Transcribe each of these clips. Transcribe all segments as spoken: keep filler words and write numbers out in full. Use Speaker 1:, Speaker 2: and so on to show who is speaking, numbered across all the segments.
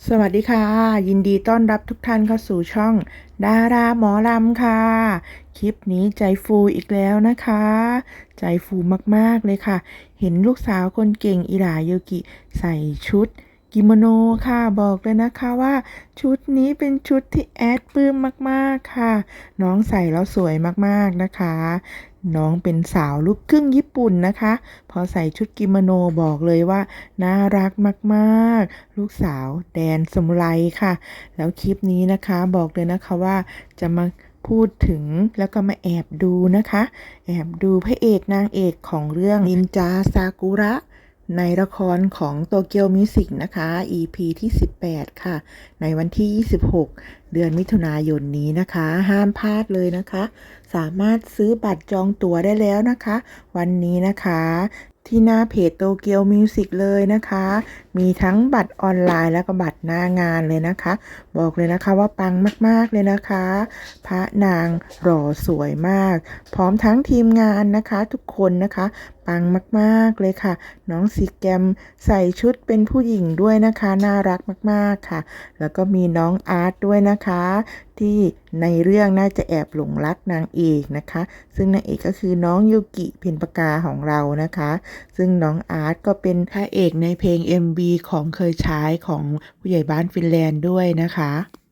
Speaker 1: สวัสดีค่ะยินดีต้อนรับทุกท่านเข้าสู่ช่องดาราหมอลำค่ะคลิปนี้ใจฟูอีกแล้วนะคะใจฟูมากๆเลยค่ะเห็นลูกสาวคนเก่งอิหร่าโยกิใส่ชุดกิโมโนค่ะบอกเลยนะคะว่าชุดนี้เป็นชุดที่แอดปลื้มมากๆค่ะน้องใส่แล้วสวยมากๆนะคะน้องเป็นสาวลูกครึ่งญี่ปุ่นนะคะพอใส่ชุดกิโมโนบอกเลยว่าน่ารักมากๆลูกสาวแดนสมุไรค่ะแล้วคลิปนี้นะคะบอกเลยนะคะว่าจะมาพูดถึงแล้วก็มาแอบดูนะคะแอบดูพระเอกนางเอกของเรื่องนินจาซากุระในละครของโตเกียวมิวสิกนะคะ อี พี ที่สิบแปดค่ะในวันที่ยี่สิบหกเดือนมิถุนายนนี้นะคะห้ามพลาดเลยนะคะสามารถซื้อบัตรจองตั๋วได้แล้วนะคะวันนี้นะคะที่หน้าเพจโตเกียวมิวสิกเลยนะคะมีทั้งบัตรออนไลน์แล้วก็บัตรหน้างานเลยนะคะบอกเลยนะคะว่าปังมากๆเลยนะคะพระนางหล่อสวยมากพร้อมทั้งทีมงานนะคะทุกคนนะคะปังมากๆเลยค่ะน้องซีแกมใส่ชุดเป็นผู้หญิงด้วยนะคะน่ารักมากๆค่ะแล้วก็มีน้องอาร์ตด้วยนะคะที่ในเรื่องน่าจะแอบหลงรักนางเอกนะคะซึ่งนางเอกก็คือน้องยูกิเพ็ญปกาของเรานะคะซึ่งน้องอาร์ตก็เป็นพระเอกในเพลง เอ็ม วี ของเคยใช้ของผู้ใหญ่บ้านฟินแลนด์ด้วยนะคะ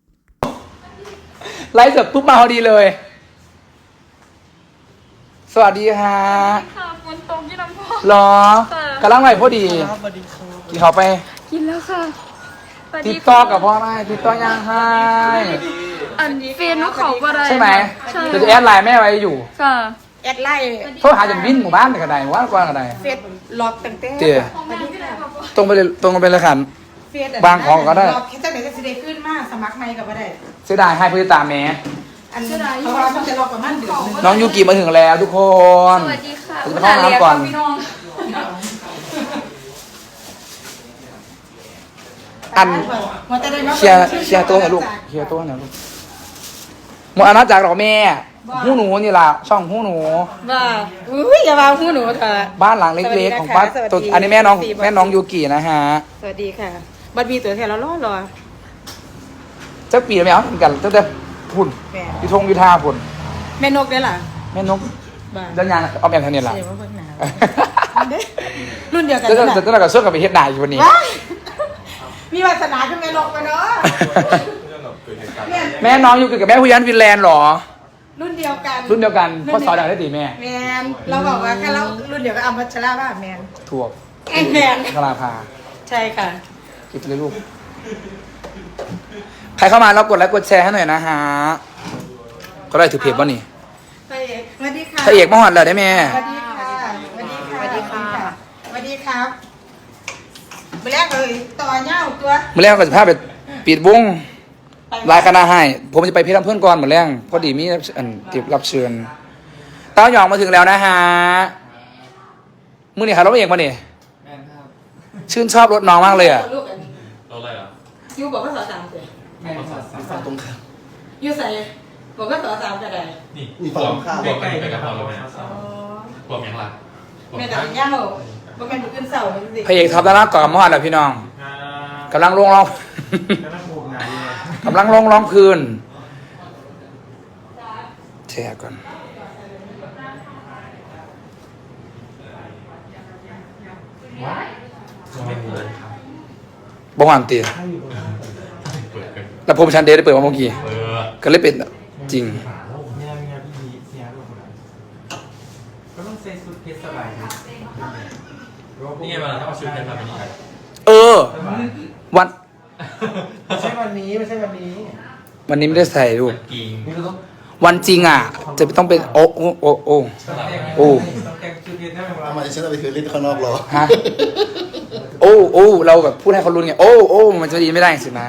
Speaker 2: ไลฟ์เสร็จปุ๊บมาพอดีเลย สวัสดีฮะ
Speaker 3: ค่ะฝนตกยี่น้ำพอ
Speaker 2: หรอกำลังไหวพอดีกินเขาไป
Speaker 3: กินแล้วค่ะ
Speaker 2: ติดต่อกับพ่อไหมติดต่อยังให้
Speaker 3: อันเฟนนุเขาบ่ได้
Speaker 2: ใช่ไหม
Speaker 3: ใช่
Speaker 2: เดี๋ยวจะแอดไลน์แม่ไว้อยู่
Speaker 3: ค่ะ
Speaker 4: แอดไล่
Speaker 2: โทรหาจนวินหมู่บ้านเลยก็ได้หมู่บ้านกว้างก็ได้
Speaker 4: เฟซล็อกตั้งแต่
Speaker 2: เจอตรงไปเลยตรงไปเลยค่ะ
Speaker 4: เฟซ
Speaker 2: บางของก็ได้
Speaker 4: ล็อกแค่จังไหนก็สิได้ขึ้นมาสมัครใหม่ก็บ่ได้
Speaker 2: เสียดายให้ผู้ติดตามแม่
Speaker 4: อันเพราะว่ามันจะล็อกประมาณเดือนหนึง
Speaker 2: น้องยูกิมาถึงแล้วทุกคน
Speaker 3: สวัสดีค่ะ
Speaker 2: จะไปเข้าห้องน้ำก่อน
Speaker 3: พี่น้อง
Speaker 2: อัน
Speaker 4: มันจะได้มา
Speaker 2: เชียร์เชียร์ตัวหน่อยลูกเชียร์ตัวหน่อยลูกหมดอาณาจักรเหรอแม่หู้หนูนี่ล่ะช่องหู้หนู
Speaker 4: ว่าอุ้ยอย่าว่าหูหนูเถอะ
Speaker 2: บ้านหลังเล็กๆของบ้าน
Speaker 4: สวัสดี
Speaker 2: ตัว
Speaker 4: ค่ะ
Speaker 2: อันนี้แม่น้อง
Speaker 4: สวัสดี
Speaker 2: แม่น้องยูกินะฮะ
Speaker 4: สวัสดีค่ะบัดมีตัวแทนเรารอรอ
Speaker 2: เจ้าปีแล้วแม่เอาเหมือนกันตั้งแต่พุ่น
Speaker 4: แม่
Speaker 2: พิทงพิธาพุ่น
Speaker 4: แม่นกได้ล่ะ
Speaker 2: แม่นก
Speaker 4: บ้า
Speaker 2: เดินยางเอาแม่ทันเนี่ยล่ะ
Speaker 4: เสียว่าเพิ่นหนาวรุ่นเดียวกัน
Speaker 2: เจ้า
Speaker 4: นั่น
Speaker 2: เจ้า
Speaker 4: น่ะ
Speaker 2: เจ้ากับเสื้อกับไปเฮ็ดหนาอยู่วันนี้
Speaker 4: ว้ายมีวาสนาขึ้นแม่นกมาเนาะเนี่ย
Speaker 2: แม่น้องยูกิกับแม่ผู้ยันฟินแลนด์เหรอ
Speaker 4: รุ่นเดียวกัน
Speaker 2: รุ่นเดียวกันพ่อสอนได้ตีแม่
Speaker 4: แมนเราบอกว่าแค่เรารุ่นเดียวกับอัมพัชราว่าแมน
Speaker 2: ถั่ว
Speaker 4: ไอ้แมน
Speaker 2: กลาภา
Speaker 4: ใช่ค่ะ
Speaker 2: คิดเลยลูกใครเข้ามาแล้วกดไลค์กดแชร์ให้หน่อยนะฮะก็ได้ถือเพจว่านี่
Speaker 4: พระเอกสวัสดีค่ะ
Speaker 2: พระเอกมหอดเลยได้แม่
Speaker 4: สวัสดีค่ะสวัสดีค่ะสวัสดีค่ะสวัสดีครับไปแรกเลยต่อเน่าตัว
Speaker 2: เมื่อแรกก็จะพาไปปิดวงรายคณะให้ ผมจะไปเพชรลำเพื่อนก่อนเหมือนแรงพอดีมีอันติดรับเชิญเต้าหยองมาถึงแล้วนะฮะมือนี่ค่ะรถเอกมาเนี่ยชื่นชอบรถน้องมากเลยอ่ะ
Speaker 4: ลูกอันนี้
Speaker 5: เราอะไรอ่ะ
Speaker 4: ยูบอกว่าสอสามเลย
Speaker 5: ฝั่งตรงข้าม
Speaker 4: ยูใส่บอกว่าสอสามก็ได้
Speaker 5: นี่นี่ฝั่งข้ามใกล้ๆกับเราเลย
Speaker 4: อ๋อ
Speaker 5: รวมยังล่ะ
Speaker 4: แม่แต่เป็นเน่าบ่แม่นบุกขึ้นเสาเลยสิ
Speaker 2: พระเอกท็อปดาราก่อนกับมอดแหละพี่น้องกำลังลงร้อง กำลังลงร้องคืนแชร์ก่อนบ้องอันตี
Speaker 5: เปิดกัน
Speaker 2: แล้วผมชันเดย์ได้เปิดมาเมื่อกี้
Speaker 5: เออ
Speaker 2: ก็เลยเป็นจริง
Speaker 6: ก็ต้องใส่ชุดเพชรสบายนะ
Speaker 5: นี่ไงเวลาถ้าเอาชุดเพชรมาเป็นยังไง
Speaker 2: เออ วัน
Speaker 6: ไม่ใช่วันนี้ไม่ใช่วันนี้
Speaker 2: วันนี้ไม่ได้ใส่รูป
Speaker 5: กิ่ง
Speaker 6: นี่เราต้อง
Speaker 2: วันจริงอ่ะ จะต้องเป็นโอ้โอ้โอ้โอ้ โอ้
Speaker 6: ต้องแต่งชุดเพชรให้มัน
Speaker 7: ทำไมฉันเอาไปคืนเล่นข้างนอกเหรอ
Speaker 2: ฮะโอ้โอ้เราแบบพูดให้เขารู้ไงโอ้โอ้มันจะดีไม่ได้สินะ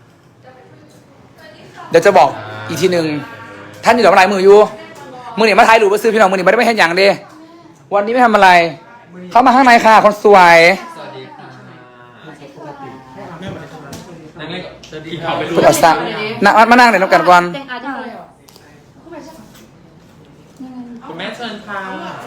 Speaker 2: เดี๋ยวจะบอกอีกทีหนึ่งท่านอยู่กับอะไรมืออยู่มือนี่มาถ่ายรูปมาซื้อพี่น้องมือนี่ไม่ได้ไม่เห็นอย่างเดียวันนี้ไม่ทำอะไร เข้ามาข้างในค่ะคนสวย
Speaker 5: นั่งเล่นกินข้าวไปดู
Speaker 2: คุณอัศนะนั่งมานั่งเดี๋ยวน้ำกันก่อน
Speaker 3: แต่งอาจจะเลย
Speaker 5: คุณแม่เชิญค่ะ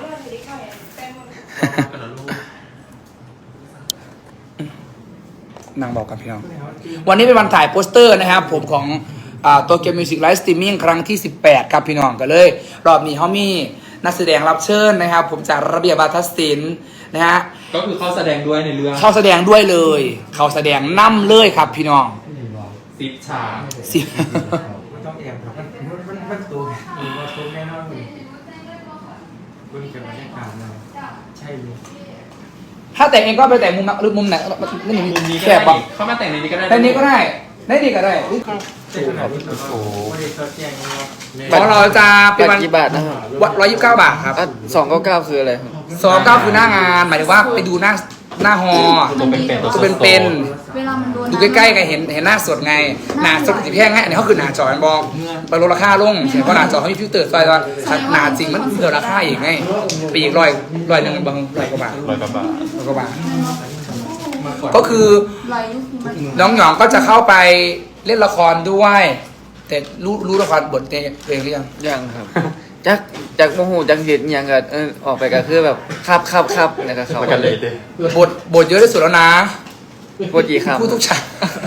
Speaker 5: กันนะลูก
Speaker 2: นางบอกกับพี่น้องวันนี้เป็นวันถ่ายโปสเตอร์นะครับผมของตัวเกมมิวสิกไลฟ์สตรีมมิ่งครั้งที่สิบแปดครับพี่น้องกันเลยรอบนี้เขามีนักแสดงรับเชิญนะครับผมจากระเบียบวาทศิลป์นะฮะ
Speaker 5: ก็คือเขาแสดงด้วยในเรื่อง
Speaker 2: เขาแสดงด้วยเลย เขาแสดงนำเลยครับพี่น้อง
Speaker 5: ซิปฉาก
Speaker 2: สิ
Speaker 6: มันต้องแอบครับมันมันมันมันตัวมันว่าตัวแน่นอนเลยคุณเกิดมาได้การเลยใช่เลย
Speaker 2: ถ้าแต่งเองก็ไปแต่งมุมหรือมุมไหนนี่
Speaker 5: มุมนี้ก็
Speaker 2: แค
Speaker 5: ได้
Speaker 2: บปะ
Speaker 5: เข้ามาแต่งในนี้ก็ได้
Speaker 2: แต่นี้ก็ได้ได้ดีก็ได้
Speaker 6: ใช่ขนาดนี้โอ้โหไม่ได้ตัวแจ้งนะครับ
Speaker 2: ของเราจะเป็น
Speaker 7: บั
Speaker 2: วั
Speaker 7: ต
Speaker 2: น
Speaker 7: รกี่บาทนะครับ
Speaker 2: วันร้อยยี่สิบเก้าบาทครับ
Speaker 7: อ่ะสองเก้าเก้าคืออะไรครับ
Speaker 2: สองเก้าคือหน้างานหมายถึงว่าไปดูหน้าหน้าฮอ
Speaker 5: ตัวเป็นเป็น
Speaker 2: ตัวเป็นเป็น
Speaker 3: เวลามันโดน
Speaker 2: ดูใกล้ๆไงเห็นเห็นหน้าสดไงหน้าสดสีแพงไงอันนี้เขาคือหน้าจอมันบอกไปลดราคาลงเพราะหน้าจอเขามีฟิลเตอร์ซอยว่าหน้าจริงมันเพิ่มราคาอีกไงไปอีกร้อยร้อยหนึ่งบางร้อยกว่าบาท
Speaker 5: ร้อยกว่าบาท
Speaker 2: ร้อยกว่าบาทก็คือ
Speaker 3: ลอยยุคมัน
Speaker 2: น้องหยองก็จะเข้าไปเล่นละครด้วย แต่รู้รู้ละครบทเพลงหรือยัง
Speaker 7: ยังครับจากจากโมโหจากเหตุอหย่างกับเออออกไปก็คือแบบครับครับครับแล้วก็เขา
Speaker 5: มากันเลยดิ
Speaker 2: บทบทเยอะที่สุดแล้วนะ
Speaker 7: พูดกี่คำ
Speaker 2: พูดทุกฉาก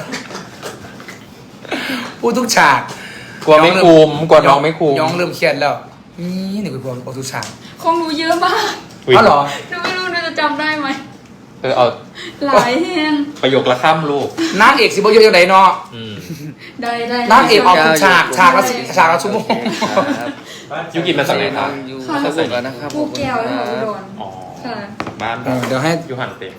Speaker 2: พูดทุกฉาก
Speaker 5: กลัวไม่คุมกลัวน้องไม่คุม
Speaker 2: ย้องเริ่มเครียดแล้วนี่หนึ่งเป็นพวกพูดทุกฉาก
Speaker 3: ของหนูเยอะมาก
Speaker 5: อุ๊ย
Speaker 2: อ๋อเหรอ
Speaker 3: หนูไม่รู้หนูจะจำได้ไหม
Speaker 5: เออเอา
Speaker 3: หลายแห่ง
Speaker 5: ประโยคละข้ามลูก
Speaker 2: นางเอกสิบเยอะยังไงเนาะ
Speaker 5: อืม
Speaker 3: ได้ได้
Speaker 2: นางเอกออกทุกฉากฉากละสิฉากละชั่วโมง
Speaker 7: ครับ
Speaker 5: ยูกินมาจากไหนครับ
Speaker 7: อยู่สมุทรแล้วนะครับ
Speaker 3: ภูแก้วแล้วอุดร
Speaker 5: อ๋อ
Speaker 3: ค่ะ
Speaker 5: บ้าน
Speaker 2: เออเดี๋ยวให้
Speaker 5: ยูหันเต็ม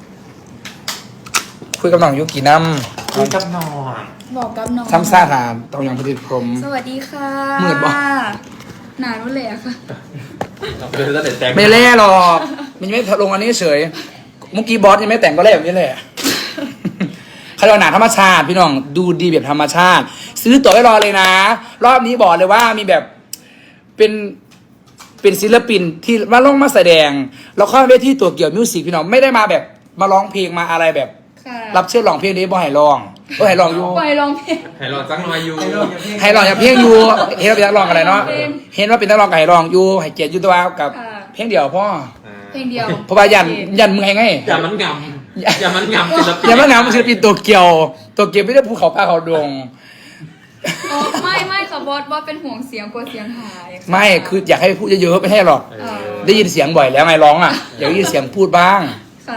Speaker 2: คุยกับน้องยุกิน้
Speaker 5: คุยกับนอน
Speaker 3: บอกกับน้อง
Speaker 2: ำซ้ำซ่าถามต้องยังผลิตผม
Speaker 3: สวัสดีค่ะ
Speaker 2: มืดบ่
Speaker 3: หนานุ่นเลยอะค่ะ
Speaker 5: เดินตั้งแต่แจ้ง
Speaker 2: ไม่เล่หรอกมันยังไม่ลงอันนี้เฉยเมื่อกี้บอสยังไม่แต่งก็เล่แบบนี้แหละ เขาเรียกว่าหนาธรรมชาติพี่น้องดูดีแบบธรรมชาติ ซื้อตั๋วไว้รอเลยนะ รอบนี้บอกเลยว่ามีแบบเป็นเป็นศิลปินที่มาลงมาแสดงแล้วเข้าเวทีตัวเกี่ยวมิวสิกพี่น้องไม่ได้มาแบบมาร้องเพลงมาอะไรแบบ
Speaker 3: ค่ะ
Speaker 2: รับเชิญร้องเพลงนี้บ่ให้ร้องบ่ให้ร้องอยู่
Speaker 3: ไปลองเพลง
Speaker 5: ให้ลองจักหน่อยยู
Speaker 2: ให้ร้องอย่าเพลงอยู่เห็นว่าเป็นนักร้องอะไรเนาะเห็นว่าเป็นนักร้องก็ให้ร้องอยู่ให้เกียรติอยู่ตัวกับ
Speaker 3: ค่ะ
Speaker 2: เพลงเดียวพ่อ
Speaker 3: เพลงเดียว
Speaker 2: เพราะว่ายันยันมึงไงไง
Speaker 5: อย่ามันงำอย่ามันงำศิลปิน
Speaker 2: อย่ามาหนาวมันศิลปินตัวเกี่ยวตัวเกี่ยวไม่ได้ภูเขาป้าเขาดง
Speaker 3: อ๋อไม่ไม่ค่ะบอสบอสเป็นห่วงเสียงกลัวเสียงหายะ
Speaker 2: ไม่คืออยากให้พูดเยอะๆไม่ให้หรอก
Speaker 5: เอ
Speaker 3: เอ
Speaker 5: อ
Speaker 3: อ
Speaker 2: ได้ยินเสียงบ่อยแล้วไงร้องอ่ะอยากได้ยินเสียงพูดบ้าง
Speaker 3: ค่ะ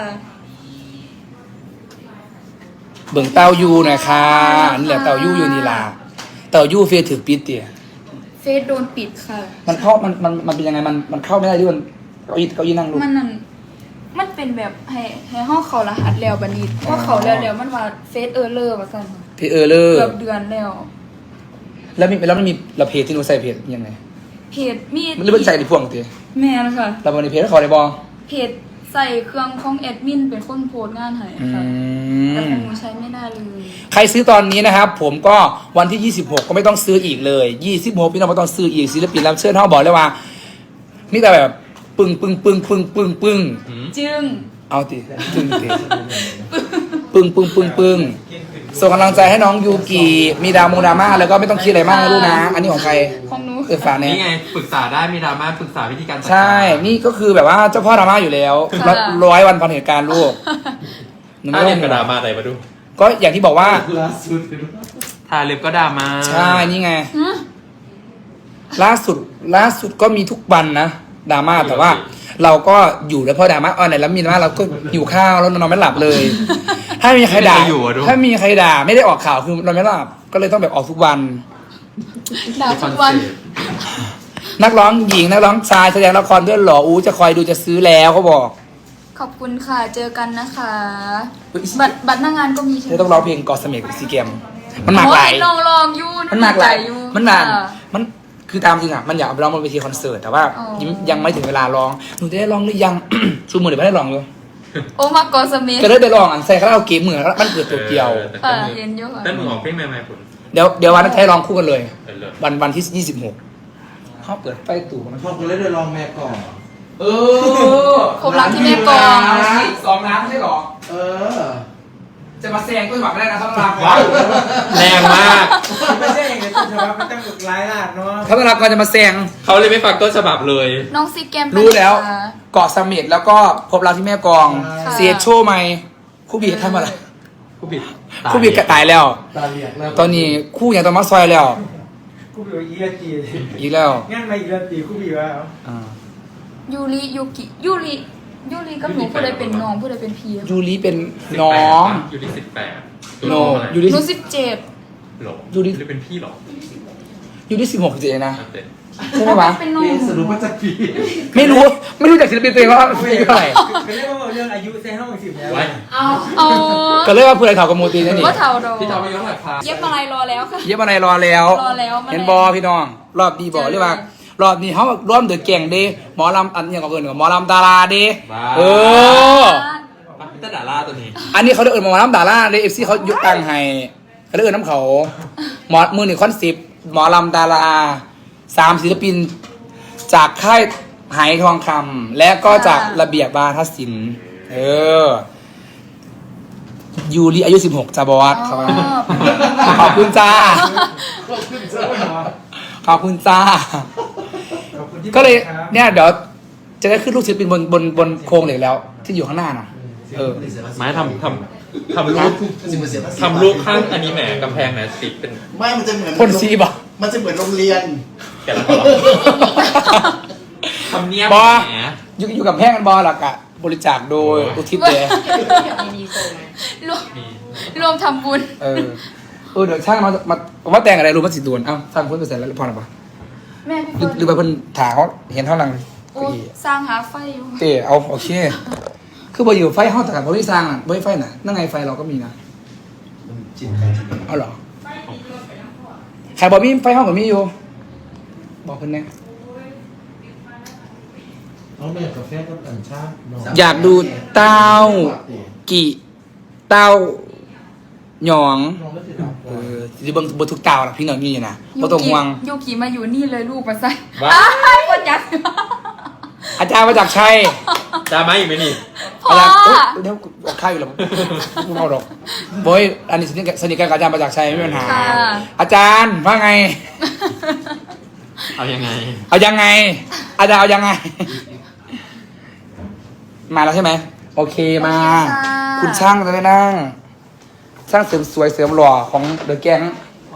Speaker 2: เบิ่งเต้ายูหน่อยค่ะนี่แหละเต้ายูอยู่นี่ล่ะเต้ายูเฟซถือปิดเตี๋ย
Speaker 3: เฟซโดนปิดค่ะ
Speaker 2: มันเข้ามันมันมันเป็นยังไงมันมันเข้าไม่ได้ด้วยมันเก้าอี้เก้าอี้นั่งลูก
Speaker 3: มันนั่นมันเป็นแบบให้ให้ห้องเขารหัสแล้วบันนี้เพราะเขาแล้วแล้วมันว่าเฟซเออร์เลอร์ว่าซั่นค่ะ
Speaker 2: พี่เออเลอ
Speaker 3: เกือบเดือนแล้ว
Speaker 2: แล้วมีแล้วมันมีเราเพจที่หนูใส่เพจยังไง
Speaker 3: เพจมี
Speaker 2: มันเรื่องใส่ในพวงเตี๋ย
Speaker 3: แม่นค่ะ
Speaker 2: เราบนในเพจเขาได้บอ
Speaker 3: เพจใส่เครื่องของแอดมินเป็นคนโพสต์งานให้
Speaker 2: อื
Speaker 3: ค่ะแต่ข
Speaker 2: ม
Speaker 3: องหนูใช้ไม่ได้เลย
Speaker 2: ใครซื้อตอนนี้นะครับ ผมก็วันที่ยี่สิบหกก็ไม่ต้องซื้ออีกเลยยี่สิบหกพี่น้องไม่ต้องซื้ออีกศิลปินรับเชิญเขาบอกเลยว่ามีแต่แบบปึ้งปึ้งปึ้งปึ้งปึ้งปึ้ง
Speaker 3: จึง
Speaker 2: เอาติจึงติปึ้งปึ้งปึ้งปึ้งส่งกำลังใจให้น้องยูกิมีดาวมงดราม่าแล้วก็ไม่ต้องคิดอะไรมากนะลูกนะ อันนี้ของใคร
Speaker 3: ของหนู
Speaker 2: เออฝากเนี่ย
Speaker 5: นี่ไงปรึกษาได้มีดราม่าปรึกษาวิธีการจัดการ
Speaker 2: ใช่ นี่ก็คือแบบว่าเจ้าพ่อดราม่าอยู่แล้วร้อยวันพันเหตุการณ์ลูกหนู
Speaker 5: ถ้า
Speaker 2: ไม่
Speaker 5: เรี
Speaker 2: ต้
Speaker 5: ย
Speaker 2: อน ง
Speaker 5: กระดามาไหนมาดู
Speaker 2: ก็อย่างที่บอกว่า
Speaker 6: ล่าสุด
Speaker 5: ทาเล็บก็ดรามา
Speaker 2: ใช่นี่ไง
Speaker 3: หือ
Speaker 2: ล่าสุดล่าสุดก็มีทุกวันนะดราม่าแต่ว่า เราก็อยู่แล้วพอดราม่าออนไหนแล้วมีดราม่าเราก็อยู่ข้าวแล้วนอนไม่หลับเลย ถ้ามีใครด่าถ้ามีใครด่าไม่ได้ออกข่าวคือนอนไม่หลับก็เลยต้องแบบออกทุกวัน
Speaker 3: ด่าทุกวัน
Speaker 2: นักร้องหญิงนักร้องชายแสดงละครด้วยเหรออู้จะคอยดูจะซื้อแล้วเขาบอก
Speaker 3: ขอบคุณค่ะ เจอกันนะคะ บัตรบัตรหน้างานก็มีใช่ไห
Speaker 2: เธ
Speaker 3: ม
Speaker 2: อต้องร้องเพลงกอดเสม็ดซีเกมมันหมากหลาย
Speaker 3: โอ้ลองลองยู
Speaker 2: มันหมากหลาย
Speaker 3: อยู่
Speaker 2: มันหมาก
Speaker 3: ค่ะ
Speaker 2: มันคือตามจริงอ่ะมันอยากเอาไปร้องบนเวทีคอนเสิร์ตแต่ว่า
Speaker 3: อ๋อ
Speaker 2: ยังยังไม่ถึงเวลาร้องหนูจะได้ร้องหรือยัง ชูมือเดี๋ยวไม่ได้ร้องเลย
Speaker 3: โอมากอสเมธ
Speaker 2: จะได้ไปร้องอันใส่คาราโอเกะเหมือนมันเกิดตัวเดียว
Speaker 3: ค่ะเย็นเยอะค่ะ
Speaker 5: แต่มึงออกเพลงใหม่ๆผล
Speaker 2: เดี๋ยวเดี๋ยววันนั้นให้ร้องคู่กันเลย
Speaker 5: เออเลิศ
Speaker 2: วันวันที่ยี่สิบหกเขาเปิดไฟตู่มัน
Speaker 6: พอคุณเล่นเดลองแม่ก่อน
Speaker 2: เออ
Speaker 3: ครบรักที่แม่กลอง
Speaker 2: สองน้ำใช่หรอ
Speaker 6: เออ
Speaker 2: จะมาแซงก็หวังไม่ได้นะเขาต้องรับ
Speaker 5: แรงมาก
Speaker 6: ไม่ใช่อย่างนี้ต้นฉบับมันต้องหลายลาดเนาะ
Speaker 2: เขาต้องรับก่อนจะมาแซง
Speaker 5: เขาเลยไม่ฟังต้นฉบับเลย
Speaker 3: น้องซีแกมไป
Speaker 2: รู้แล้ว
Speaker 3: ไหนคะ
Speaker 2: เกาะเสม็ดแล้วก็พบรักที่แม่กลอง
Speaker 3: ค่ะ
Speaker 2: เสียโชว์ไหมคู่บีทำอะไร
Speaker 5: คู่ผิด
Speaker 2: คู่บิดก็ตายแล้ว
Speaker 6: ตาเหลียกแล้ว
Speaker 2: ตอนนี้คู่อย่างตอนมาซอยแล้ว
Speaker 6: กูบีว่าอีกตี
Speaker 2: อีกแล้ว
Speaker 6: งั้นมาอีกตีกูบีว่า
Speaker 2: อ่า
Speaker 3: ยูริยูกิยูริยูริกับหนูผู้ใดเป็นน้องผู้ใดเป็นพี่อะ
Speaker 2: ยูริเป็นน้อง
Speaker 5: อยู่ที่สิบแปด
Speaker 2: โนยู
Speaker 3: ห
Speaker 2: ริ
Speaker 3: นูสิบเจ็ด
Speaker 5: หรอ
Speaker 2: ยูริ
Speaker 5: หรือเป็นพี่หรอ
Speaker 2: ยูริสิบหกเจนะ
Speaker 5: อันเต็ม
Speaker 2: ใช่ไหมวะ
Speaker 3: เป็นน้อง
Speaker 6: สรุปว่าจะปี
Speaker 2: ไม่รู้ไม่รู้จักศิลปินตัวเองว่าอายุเท่าไหร่
Speaker 6: ก็เรียกว่าเรื่องอายุแซงห้องสิบแล้ว
Speaker 5: ไว้
Speaker 3: เอาเอา
Speaker 2: ก็เลยว่าผู้ใดเถ่ากับมูตีนั่นนี่
Speaker 3: ว่าเท่าดอก
Speaker 5: พี่ทำไปย้อนหลังพา
Speaker 3: เย็บอะไรรอแล้วค่ะ
Speaker 2: เย็บอะไรรอแล้ว
Speaker 3: รอแล้วมาแล้ว
Speaker 2: เห็นบอพี่น้อง รอบดีบอกเรียกว่ารอบนี้เขาร่วมเดือดเก่งเด้หมอลำอันอย่างกับเอิญกับหมอลำดาราเด้เออ
Speaker 5: พี่ตาดาล่าตัวนี้
Speaker 2: อันนี้เขาได้เอิญหมอลำดาราเด้เอฟซีเขายกตังค์ให้เขาได้เอิญน้ำเขาหมอมือหนึ่งคอนสิบหมอลำดาราสามศิลปิน จากค่ายไหทองคำและก็จากระเบียบวาทศิลป์เออยูริอายุสิบหกจ้าบอสเขาว่าขอบคุณจ้า ขอบคุณจ้า ก็เลยเนี่ยเดี๋ยวจะได้ขึ้นลูกศิลปินบนบนบนโครงเหล็กแล้ว ที่อยู่ข้างหน้าน่ะ เออ
Speaker 5: ไม้ทำทำทำรูปทำรูปข้างอันนี้แหมกำแพงแหมติดเป็น
Speaker 8: ไม่มันจะเหมือน
Speaker 2: พ่นสีบ่
Speaker 8: มันจะเหมือนโรงเรียน
Speaker 5: แกะแล้วก็หรอทำเนียบบ
Speaker 2: อ
Speaker 5: แหม
Speaker 2: อยู่อยู่กับแพงกันบอหลักอะบริจาคโดยอุทิศเด
Speaker 3: รวมรวมทำบุญ
Speaker 2: เออเออเดี๋ยวช่างมามาว่าแต่งอะไรรู้มันสิดวนเอ้าทำพุ่นไปเสร็จแล้วพอหรือเปล่า
Speaker 3: แม่พี่
Speaker 2: หรือ
Speaker 3: เฟิร์น
Speaker 2: หรือไปเพิ่นถาเขาเห็นเท่านั้น
Speaker 3: โอ้
Speaker 2: เก้าอี้
Speaker 3: สร้างหาไฟอยู่
Speaker 2: เตะเอาโอเค คือพออยู่ไฟห้องแต่กับไม่สร้างอ่ะไม่ไฟน่ะนั่งไงไฟเราก็มีนะ
Speaker 8: มันจิตใครจิตมัน
Speaker 2: เอาเหรอใครบอกมีไฟห้องกับมีอยู่ บอกเพิ่นแน่
Speaker 6: น้องเนยกาแฟกับอันชา
Speaker 2: อยากดูเต้ากี่เต้าหยอง
Speaker 6: น้องก็จะทำ
Speaker 2: เออสิเบิ่งบ่ทุกเต้าล่ะพี่น้องมีอยู่นะบ่ต้องห่วง
Speaker 3: ยูกิมาอยู่นี่เลยลูกมาใส่
Speaker 5: ว้า
Speaker 3: อ้ายคนยัด
Speaker 2: อาจารย์มาจากชัย
Speaker 5: จ้าไหมอีกไหมนี่
Speaker 3: พ่อ
Speaker 2: อาจารย์เอ้ยเดี๋ยวบอกข้าวอยู่แล้วไม่เอาหรอกบอยอันนี้สนิทกับสนิทกันกับอาจารย์มาจากชัยไม่มีปัญหา อาจารย์ว่าไง
Speaker 5: เอายังไง
Speaker 2: เอายังไง อาจารย์เอายังไง มาแล้วใช่ไหม โอเคมา คุณช่างจะได้นั่ง ช่างเสริมสวยเสริมหล่อของเดอะแก๊ง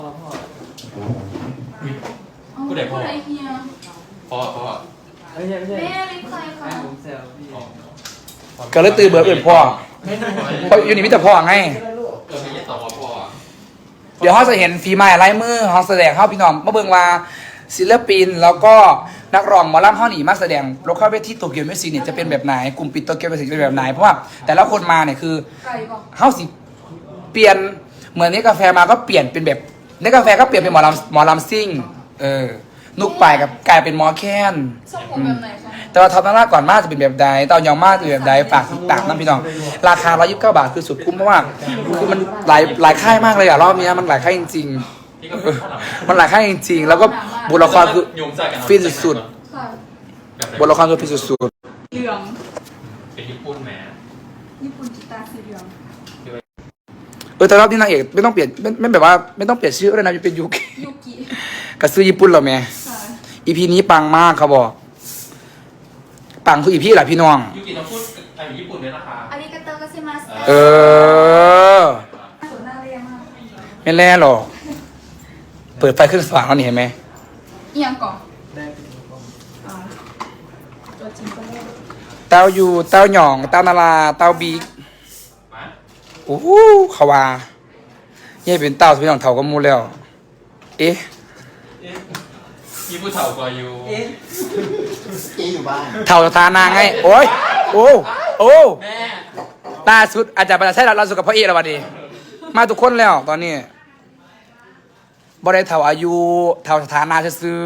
Speaker 5: ผู้ใดพ่อ
Speaker 3: ผู้ใดเฮีย
Speaker 5: พ่อพ่อ
Speaker 6: ไม่ใช่ไม่ใช่
Speaker 3: แม่เล็กใครคะ
Speaker 6: ผมแซวพี่
Speaker 2: ก็เลยตื่นเบื่ออื่นพ่อ
Speaker 6: ไม่ใช่
Speaker 2: เพราะอยู่นี่มิแต่พ่อไง
Speaker 5: เออไม่ใช่ต่อว่าพ่อ
Speaker 2: เดี๋ยวเขาจะเห็นฝีไม้ลายมือเขาแสดงเข้าพี่น้องมาเบิ่งว่าศิลปินแล้วก็นักร้องหมอลำเขาหนีมาแสดงโลเคอลเวทีโตเกียวมิวสิกเนี่ยจะเป็นแบบไหนกลุ่มปิดโตเกียวมิวสิกจะเป็นแบบไหนเพราะว่าแต่ละคนมาเนี่ยคือ
Speaker 3: ไก่บอก
Speaker 2: เขาสิเปลี่ยนเหมือนนี้กาแฟมาก็เปลี่ยนเป็นแบบนี่กาแฟก็เปลี่ยนเป็นหมอลำหมอลำซิ่งเออนุกปลายกับกลายเป็นหมอแค้น
Speaker 3: ทรงผมแบบไหนคะ
Speaker 2: แต่ว่าท็อปตั้งหน้าก่อนมากจะเป็นแบบใดเต้ายองมากจะเป็นแบบใดฝากติดตามนะพี่น้องราคาร้อยยี่สิบเก้าบาทคือสุดคุ้มเพราะว่าคือมันหลายหลายค่ายมากเลยอะรอบนี้มันหลายค่ายจริง
Speaker 5: พี่ก็
Speaker 2: ๆ
Speaker 5: เป็นข้าวหลัง
Speaker 2: มันหลายค่ายจริงๆแล้วก็บทละครคือ
Speaker 5: โยงใจกัน
Speaker 2: ฟินสุด
Speaker 3: ค่ะ
Speaker 2: ๆบทละครคือฟินสุด
Speaker 3: เหลือง
Speaker 5: เป็นญี่ปุ่นแหม
Speaker 3: ญี่ปุ่นกีตาร์สีเหลือง
Speaker 2: ๆเออแต่รอบนี้นางเอกไม่ต้องเปลี่ยนไม่ไม่แบบว่าไม่ต้องเปลี่ยนชื่อก็ได้นะจะเป็นยุค
Speaker 3: ยูกิ
Speaker 2: กระซื้อญี่ปุ่นเหรอแม่
Speaker 3: ค่ะ
Speaker 2: อีพีนี้ปังมากเขาบอก ปังทุกอีพีแหละพี่น้อง
Speaker 5: ยูกิต้องพูดไอ้ญี่ปุ่นด้วยนะคะ
Speaker 3: อาริกาโตกัสซิมัส
Speaker 2: เออ
Speaker 3: สวยน่าเรียนมาก
Speaker 2: ไม่แล่หรอกเปิดไฟขึ้นสว่างแล้วนี่เห็นไหม
Speaker 3: เอียงก่อนอ่าตัวจริงก็ได้
Speaker 2: เต้ายูเต้าหยอง เต้านาราเต้าบิ๊ก
Speaker 5: มา
Speaker 2: โอ้โหเขาว่าเนี่ยเป็นเต้าพี่น้องเท่ากับหมูแล้ว เอ๊ะ
Speaker 5: ญี่ปุ่นเถ่ากว่าอยู่
Speaker 6: เอ๊ะ
Speaker 8: เออยู่บ้าน
Speaker 2: เท่าสถานาไง โอ้ย โอ้ โอ้
Speaker 5: แม่
Speaker 2: ล่าสุดอาจารย์ประจักษ์ใช่เราเราสุดกับพ่อเอกแล้ววันนี้มาทุกคนแล้วตอนนี้บ่ได้เท่าอายุเท่าสถานะซื้อ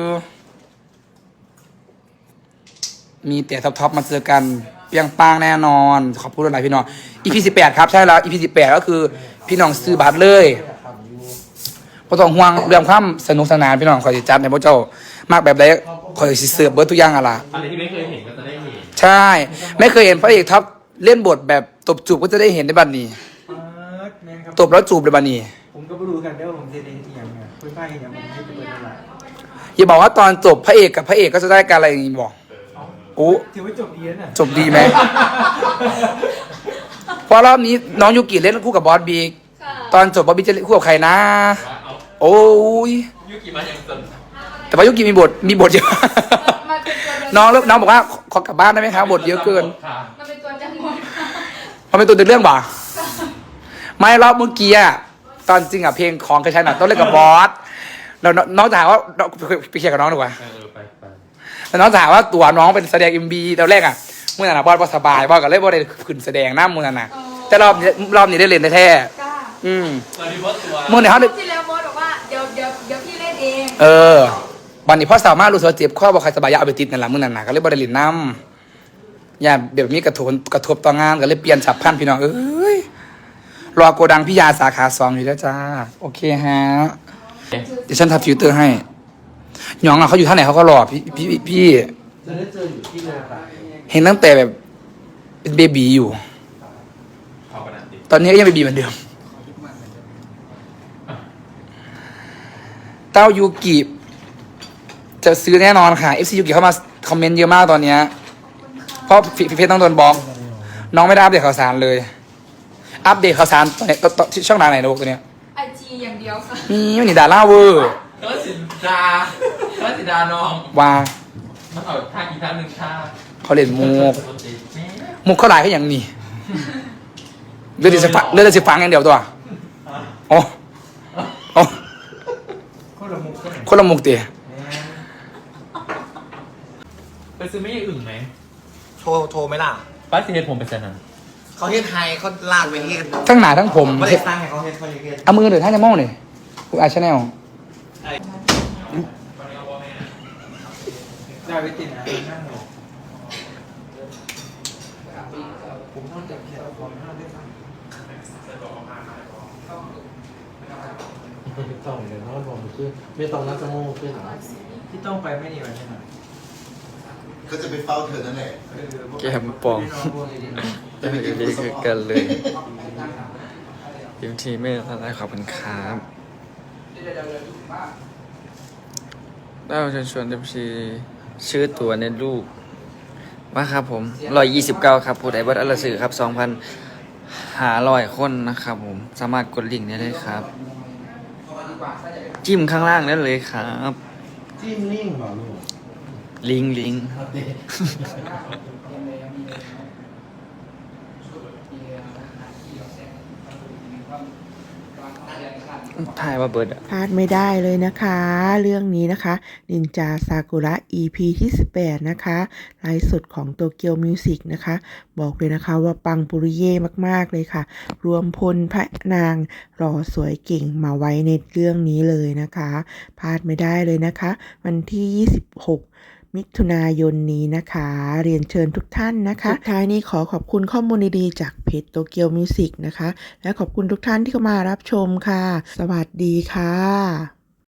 Speaker 2: ๆมีแต่ท็อปๆมาเจอกันเปรียงปังแน่นอน ขอบคุณหลายพี่น้อง อี พี สิบแปดครับใช่แล้ว อี พี สิบแปดก็คือพี่น้องซื้อบัตรเลยบ่ต้องห่วงเรื่องความสนุกสนานพี่น้องคอยสิจัดให้พวกเจ้ามากแบบใดคอยสิเสิร์ฟเบิร์ดทุกอย่างอะล่ะ
Speaker 5: อะไรที่ไม่เคยเห็นก็จะได้เห็น
Speaker 2: ใช่ ไม่เคยเห็นพระเอกท็อปเล่นบทแบบตบจูบก็จะได้เห็นในบัดนี้
Speaker 6: แม่ครับ
Speaker 2: ตบแล้วจูบในบัดนี้
Speaker 6: ผมก็ไม่รู้กันเด้อผมจะได้ที่ยังไงคุยไปอย่างผมจะเป็นอะไร
Speaker 2: อย่าบอกว่าตอนจบพระเอกกับพระเอกก็จะได้การอะไรอย่างนี้บอกโอ้
Speaker 6: ถือว่าจบดีแล้วน่ะ
Speaker 2: จบดีไหม เพราะรอบนี้น้องยูกิเล่นคู่กับบอสบีตอนจบบอบบี้จะคู่กับใครนะ
Speaker 5: เอา
Speaker 2: โอ้ย
Speaker 5: ยุกิมาอย่างสน
Speaker 2: แต่ว่ายุกิมีบทมีบทเยอะ
Speaker 3: มาเป็นตัวเดิ
Speaker 2: น้องแล้วน้องบอกว่าขอขอกลับบ้านได้ไหมครับบทเยอะเกิน
Speaker 5: ค่ะ
Speaker 3: มาเป็นตัวจังหวะค่ะ
Speaker 2: มันเป็นตัวเดินเรื่องบ่าไม่รอบเมื่อกี้อะตอนจริงอะเพลงของกระชันอะต้องเล่นกับบอสแล้วน้องน้องจะหาว่าน้องไปเคลียร์กับน้องดีกว่า
Speaker 5: เออไปไป
Speaker 2: แล้วน้องจะหาว่าตัวน้องเป็นแสดงเอ็มบีตอนแรกอะเมื่อนั้นอะบอสบอสสบายบอสก็เลยบอสได้ขึ้นแสดงหน้ามือนั้นอะแต่รอบนี้รอบนี้ได้เล่นได้แท้
Speaker 3: กล้า
Speaker 2: อืม
Speaker 5: ตอนนี้ว่าตัว
Speaker 2: เมื่อไหร่เขา
Speaker 3: ร
Speaker 2: ได้
Speaker 3: อบที่แล้วบอสบอกว่าเดี๋ยวเดี๋ยวเดี๋ยวพี่เล่นเอง
Speaker 2: เออวันนี้พ่อสามารถรู้สึกว่าเจ็บข้อบอกใครสบายอยาเอาไปติดนั่นแหละมือนั้นนะก็เลยบอสได้เล่นน้ำอย่าแบบนี้กระทบกระทบต่องานก็เลยเปลี่ยนฉับพลันพี่น้องเอ้ยรอโกดังพี่ยาสาขาสองอยู่แล้วจ้าโอเคฮะเดี๋ยวฉันทำฟิลเตอร์ให้หยองอะเขาอยู่ท่าไหนเขาก็รอพี่พี่พี่
Speaker 6: จะได้เจออยู่ที่โลกะ
Speaker 2: เห็นตั้งแต่แบบเป็นเบบีอยู่
Speaker 5: เอาขนาดนี้
Speaker 2: ตอนนี้ก็ยังเบบีเหมือนเดิมเต้ายูกิจะซื้อแน่นอนค่ะ เอฟ ซี ยูกิเข้ามาคอมเมนต์เยอะมากตอนเนี้ยเพราะฟิฟิเฟซต้องโดนบล็อกน้องไม่ได้อัปเดตข่าวสารเลย อัปเดตข่าวสารตอนนี้ตอนที่ช่องทางไหนนะลูกตัวเนี้ย
Speaker 3: ไอจีอย่างเดียวค่ะ
Speaker 2: นี่มันนี่ดาราเวอร์
Speaker 5: แล้วสิดาแล้วสิดาน้อง
Speaker 2: ว่า
Speaker 5: มันเอาท่าอีกท่าหนึ่งท่า
Speaker 2: เขาเล่นมุก
Speaker 5: ปกติแม่
Speaker 2: มุกเขาหลายเขาอย่างนี้เลือดจะฟังเลือดจะฟังอย่างเดียวตัวโอ้โอ้
Speaker 6: คนละมุกก็ไหน
Speaker 2: คนละมุกเตี๋ย
Speaker 5: ไปซื้อไม่ใช่อึ่งไหม
Speaker 8: โทรโทรไหมล่ะ
Speaker 5: ป้าซีเฮดผมไปเซ็นนั้น
Speaker 8: เขาเฮ็ดไทยเขาลากไปเฮ็ด
Speaker 2: ทั้งหนาทั้งผม
Speaker 8: ไม่ได้สร้างให้เขาเฮ็ดเขาเฮ็ด
Speaker 2: เอามือเดือดท่านจะมองเลยกูอาชแนล
Speaker 6: ได้ไว้ติดนะนั่งหรอผมต้องจับเขียนเอาความห้าได้ไหมต้องเดี๋ยวน้องบอกคือไม่ต้องนักสมองคือหรอที่ต้องไปไม่ดีวันนี้หน่อย
Speaker 8: ก็จะไปเฝ้าเธอนั่นแหละ
Speaker 7: แกมปองจะไม่ดีคือกันเลยทีมทีไม่ทันได้ขอบคุณครับได้เชิญชวนทีมทีชื่อตัวในลูกว่าครับผมร้อยยี่สิบเก้าครับผู้ใดบัตรอลสื่อครับสองพันหาร้อยคนนะครับผมสามารถกดลิงก์ได้เลยครับ จิ้มข้างล่างได้เลยครับ
Speaker 6: จิ้มลิงก์เหรอลูก
Speaker 7: ลิงก์ลิงก์ถ่ายว่าเบิร์ดอะ
Speaker 1: พลาดไม่ได้เลยนะคะ เรื่องนี้นะคะนินจาซากุระ อี พี ที่สิบแปดนะคะไลฟ์สดของโตเกียวมิวสิกนะคะ บอกเลยนะคะว่าปังปุริเย่มากๆเลยค่ะ รวมพลพระนางรอสวยเก่งมาไว้ในเรื่องนี้เลยนะคะพลาดไม่ได้เลยนะคะ วันที่ ยี่สิบหก มิถุนายนนี้นะคะ เรียนเชิญทุกท่านนะคะ สุดท้ายนี้ขอขอบคุณข้อมูลดีๆจากเพจโตเกียวมิวสิกนะคะ และขอบคุณทุกท่านที่เข้ามารับชมค่ะ สวัสดีค่ะ